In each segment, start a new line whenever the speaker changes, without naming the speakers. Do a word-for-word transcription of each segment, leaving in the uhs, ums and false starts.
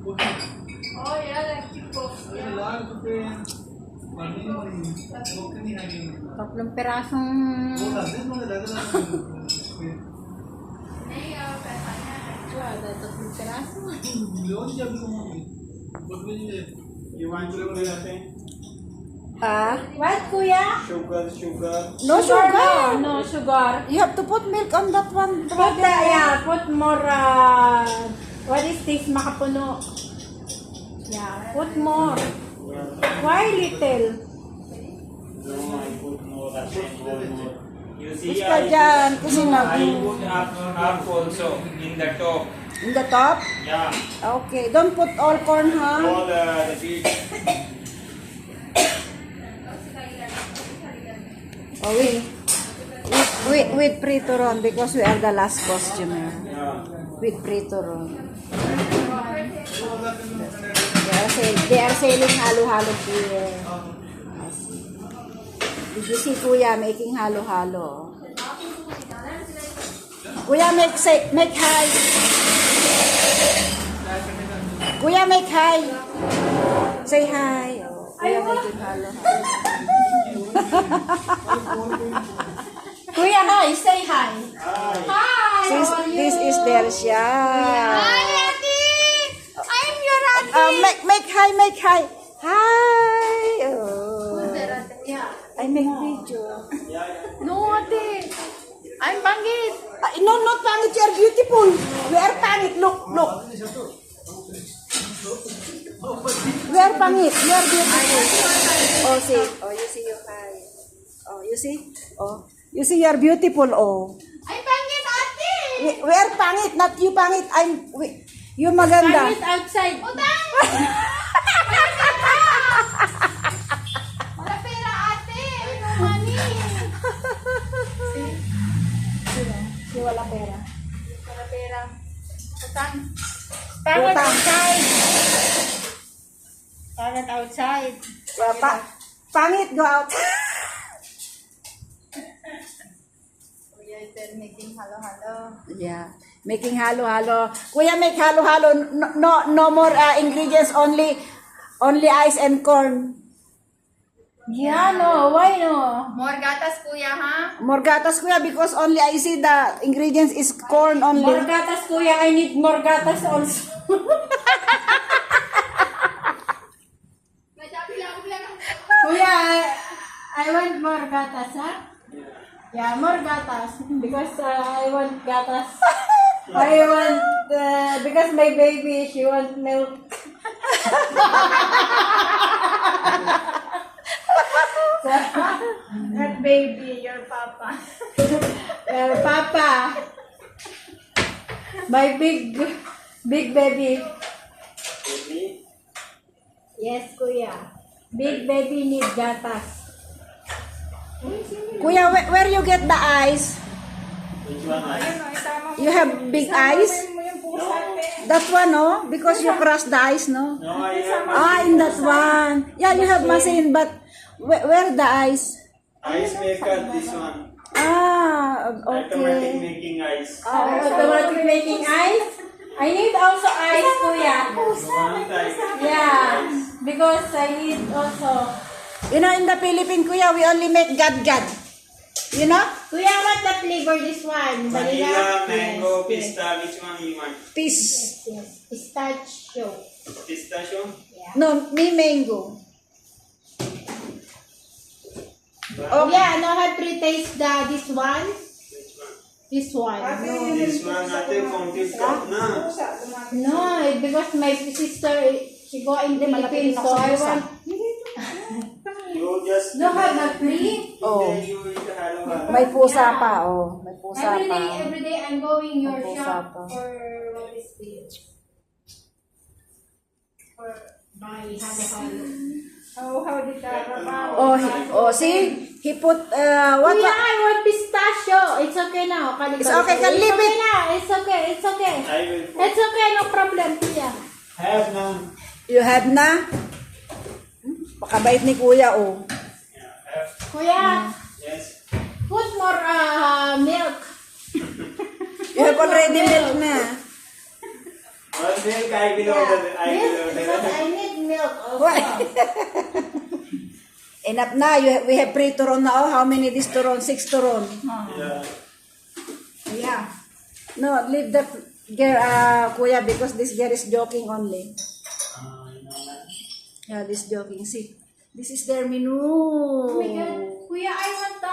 Oh yeah, like chickos.
Tatlong pirasong...
नहीं और पैसा नहीं
Tatlong piraso.
You want sugar latte?
Ah? What, kuya?
Sugar, sugar.
No sugar.
No sugar.
You have to put milk on that one.
Put the, yeah, put more, uh, what is this, makapuno? Yeah, put more. Why little?
No, I put more, I put more, more. You see,
Push ka
I
dyan. Kasi
put,
na...
I put half, half also in the top.
In the top?
Yeah,
Okay. Don't put all corn, ha?
all uh, the seeds.
Oh, wait. With, with, with Pritoron because we are the last customer.
Yeah.
With Pritoron. They are, sell, they are selling halo-halo here. I see. Did you see Kuya making halo-halo? Kuya, make, say, make hi. Kuya, make hi. Say hi. Oh, Kuya making halo-halo.
Kuya, hi, say hi. Hi,
This,
how are you?
this is Dersia.
Hi, Auntie. I'm your auntie.
Uh, make, make hi, make hi. Hi. Oh.
Yeah.
I make video.
No, Ate. I'm Bangit.
Uh, no, not pangit. You are beautiful. We are pangit. Look, look. We are pangit. You are beautiful. Oh, see. Oh, you see your hi. Oh, you see? Oh, you see you are beautiful. Oh.
I'm Bangit, Auntie.
We, we are pangit, not you pangit. I'm, we, you maganda.
Bangit outside. Utang. Wala pera, Ate. No money.
Si wala pera.
Wala pera. Utang. Pangit
Utang.
outside. Pangit outside.
Yeah, pa, pangit, go out.
Kuya is there making halo-halo.
Yeah, making halo-halo. Kuya, make halo-halo. No, no, no more uh, ingredients. Only, only ice and corn.
Yeah, no. Why no?
More gatas kuya ha?
More gatas, kuya, because only I see the ingredients is corn only.
More gatas, kuya. I need more gatas also. Kuya, I, I want more gatas, ha? Yeah, more gatas. Because uh, I want gatas. I want, uh, because my baby, she wants milk. So, not baby, your papa. Your papa. My big, big baby.
Baby,
Yes, kuya. Big baby need gatas.
Kuya, where, where you get the ice?
which one? I?
You have big ice?
No,
That one, no? Because you crush the ice, no?
no, I have
Ah, in that one. Yeah, you have machine, but where, where the ice?
ice maker, this one.
Ah,
Automatic
okay.
making ice.
Uh, automatic making ice. I need also ice, kuya.
You want ice?
Yeah, because I need also.
You know, in the Philippines, kuya, we only make gad-gad. You know?
Kuya, what the flavor this one?
Vanilla, mango,
Yes,
pista, which one you want?
Peace.
Yes, yes. Pistachio.
Pistachio?
Yeah.
No, me mango.
Oh, yeah, now I pre-taste the this one.
Which one?
This one. No,
This one, ate, fountain cup na.
no, it- because my sister, she go in the Philippines, so I want.
You just...
No, have a free.
Oh.
Then you eat halo halo.
May pusa pa, oh. May pusa
Every
pa.
day, every day I'm going your
Ang pusa
shop
pa.
for what is this? For my halo-halo. Oh, how did that
Oh, he, oh, see? He put, uh, what?
Kuya, I want pistachio. It's okay now. Kali-
It's okay, can
It's
leave
okay
it.
now. It's okay. It's okay.
I will put.
It's okay. No problem, kuya.
Have now.
You have na? Hmm? Pakabait ni kuya, oh.
Yeah, have.
Kuya,
Yes.
put more uh, milk.
You have already milk na.
Well, milk, I will order. I will
Milk, because
order.
I need milk also.
Why? Enough na. You, we have three turon na. Oh, how many this turon? Six turon.
Yeah.
Yeah. No, leave that girl, uh, kuya, because this girl is joking only.
Uh, you know that?
Yeah, this joking. See, this is their menu.
Oh my God. Kuya, I want the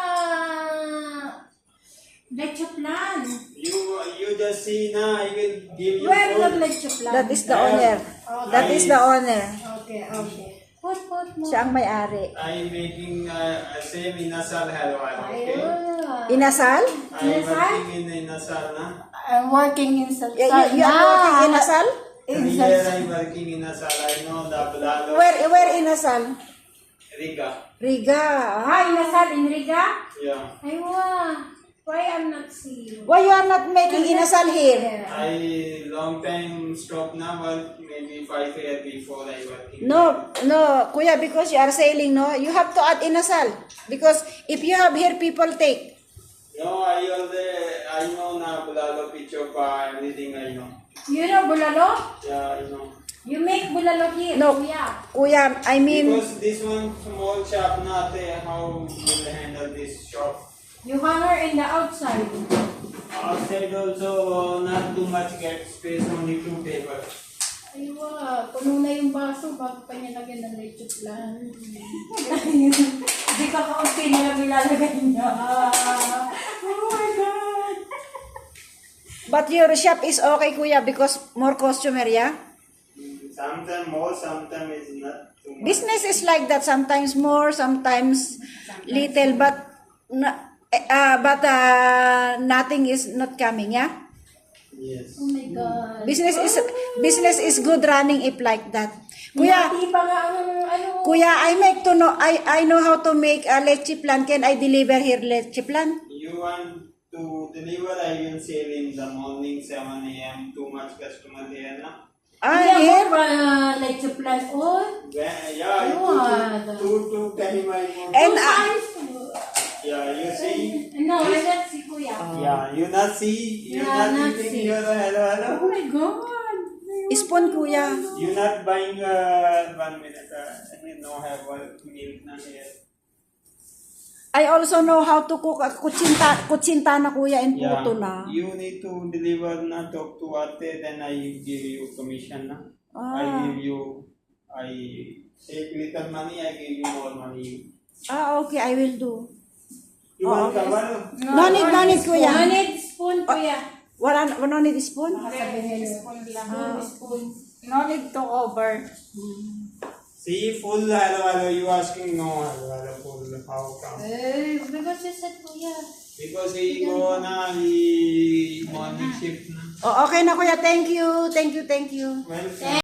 leche plan.
You you just see now. I will give you
Where the
food.
leche plan?
That is the owner. That is the owner.
Okay, okay. Put, put mo.
Siya ang may-ari.
I'm making uh, a same inasal halwa. Okay.
Ayun.
Inasal?
I'm
Inasal?
working in inasal na.
I'm working in Salsa.
You, you, you are working in Asal?
In
Here
Salsa.
I'm working in inasal. I know the Bulalo.
Where, where in Asal?
Riga.
Riga. Ah,
Ah, inasal in Riga?
Yeah.
Aywa. Why I'm not seeing?
why you are not making inasal here?
I long time stop now, but maybe five years before I working.
No, no, kuya, because you are selling, no? You have to add inasal. Because if you have here, people take.
No, I already I know na Bulalo Pichopa, everything I know.
You know bulalo?
Yeah, I know.
You make bulalo here,
No.
kuya.
Kuya, I mean,
Because this one small shop na ate, how will handle this shop?
You hanger in the outside.
Outside also not too much get space, only two tables.
Aywa, puno na yung baso bago pa niya lagyan ng leche plan. Hindi ka kaunti na lang ilalagay niya. Oh my God!
but your shop is okay, kuya, because more customer, yeah?
Sometimes more, sometimes is not too much.
Business is like that. Sometimes more, sometimes little, but na- uh, but uh, nothing is not coming, yeah?
Yes.
Oh my God.
Business is business is good running if like that. Kuya,
Hindi pa nga ang ano.
kuya, I make to know I I know how to make a leche plan. Can I deliver here leche plan?
You want to deliver, I will sell in the morning seven A M Too much customer there na.
Ah,
Hindi
here.
ako pa leche plan. Oh,
When- Yeah,
What?
two, two, two time I go.
And
two
uh,
times.
Yeah, you see?
No, I not si kuya.
Yeah, you not see, you
Yeah,
not
not
eating
see.
your hello,
Oh
hello.
my God.
spoon, kuya.
You not buying uh, one minute, uh, I mean, no have one milk na here.
I also know how to cook a kutsinta, kutsinta na, kuya, and puto na.
You need to deliver na, talk to ate, then I give you commission na. I
Ah.
give you, I take little money, I give you more money.
Ah, okay, I will do.
You
Oh,
want kabalo?
No need, no need, kuya.
No need spoon, kuya.
Wala, no need spoon?
Sabihin niyo. Spoon lang.
Ah.
Spoon.
No need to cover.
See, full hello, hello, you asking no hello, hello, full, how come?
Eh, because you said kuya.
Because he go na, he morning shift na.
Oh, okay na, kuya. Thank you. Thank you, thank you.
Welcome.